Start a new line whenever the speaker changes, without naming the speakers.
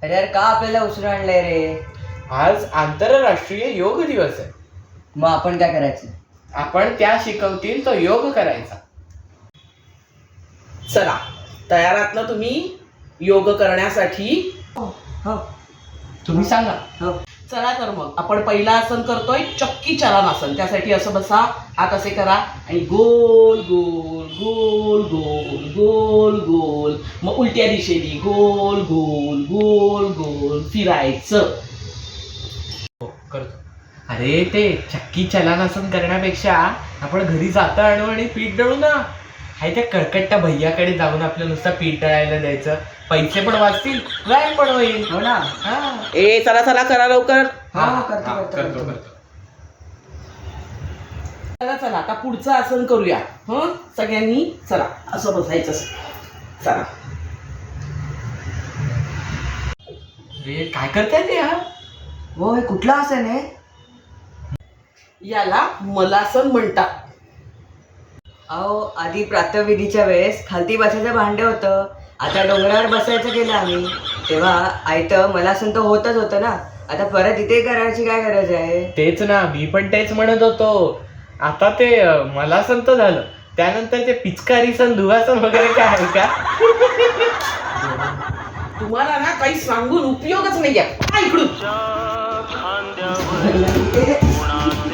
अरे यार का आपल्याला उशिरा आणलंय रे?
आज आंतरराष्ट्रीय योग दिवस आहे.
मग आपण काय करायचं?
आपण त्या शिकवतील तो योग करायचा.
चला, तयार आहात ना तुम्ही योग करण्यासाठी?
हो
तुम्ही सांगा.
हो.
चला तर मग आपण पहिला आसन करतोय चक्की चलन आसन. त्यासाठी असं बसा, हात असे करा आणि गोल गोल गोल गोल गोल गोल, मग उलट्या दिशेने गोल गोल गोल गोल फिरायचं.
हो, करतो. अरे ते चक्की चलनासन करण्यापेक्षा आपण घरी जाता आणू आणि पीठ दळू ना. हाय त्या कळकट्टा भैयाकडे जाऊन आपलं नुसतं पीठ दळायला द्यायचं. पैसे पण वाचतील, व्यायाम पण होईल.
हो ना.
हा.
ए चला चला करा लवकर.
हो करतो.
चला चला आता पुढचं आसन करूया. सगळ्यांनी चला असं बसायचं. चला.
अरे काय करताय ते यार?
हो हे कुठलं आसन आहे?
याला मलासन म्हणतात.
अहो आधी प्रातःविधीच्या वेळेस खालती बसायचं भांडे होतं. आता डोंगरावर बसायचं केलं आम्ही. तेव्हा आयतं मलासन तर होतच होतं ना. आता परत इथे करायची काय गरज आहे?
तेच ना, मी पण तेच म्हणत होतो. आता ते मला संत झालं, त्यानंतर ते पिचकारी सण धुवासन वगैरे काय आहे का?
तुम्हाला ना काही सांगून उपयोगच नाही आहे. इकडून